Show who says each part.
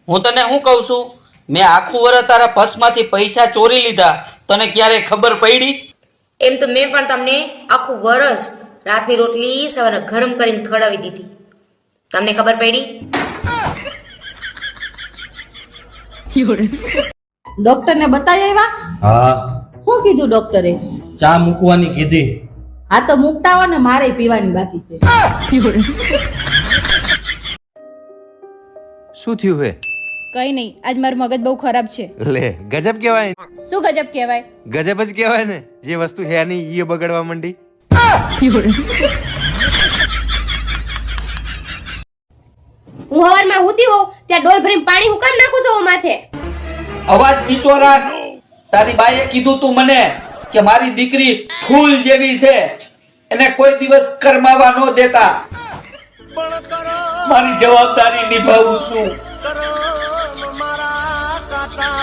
Speaker 1: હું તને શું કહું છું, મેં આખું વર્ષ તારા પર્સમાંથી પૈસા ચોરી લીધા, તને ક્યારે ખબર પડી?
Speaker 2: એમ તો મેં પણ તમને આખું વરસ રાતની રોટલી સવારે ગરમ કરીને ખવડાવી દીધી, તમને ખબર પડી?
Speaker 3: ડોક્ટર ને બતાવી આવ્યા?
Speaker 4: હા,
Speaker 3: શું કીધું ડોક્ટરે?
Speaker 4: ચા મૂકવાની કીધી.
Speaker 3: હા તો મૂકતા હો ને, મારે પીવાની બાકી છે.
Speaker 5: શું થયું હે?
Speaker 6: કઈ નહીં, આજ મારું મગજ બહુ ખરાબ છે.
Speaker 5: લે ગજબ કહેવાય.
Speaker 6: શું ગજબ કહેવાય?
Speaker 5: ગજબ જ કહેવાય ને, જે વસ્તુ હે નહીં એ બગડવા માંડી.
Speaker 2: હું હવારમાં હુતી હોઉં ત્યાં ડોલ ભરીને પાણી હું કામ નાખું છું માથે?
Speaker 1: અવાજ નીચો રાખ. તારી બાઈએ કીધું તું મને કે મારી દીકરી ફૂલ જેવી છે, એને કોઈ દિવસ કરમાવા ન દેતા. મારી જવાબદારી નિભાવું છું.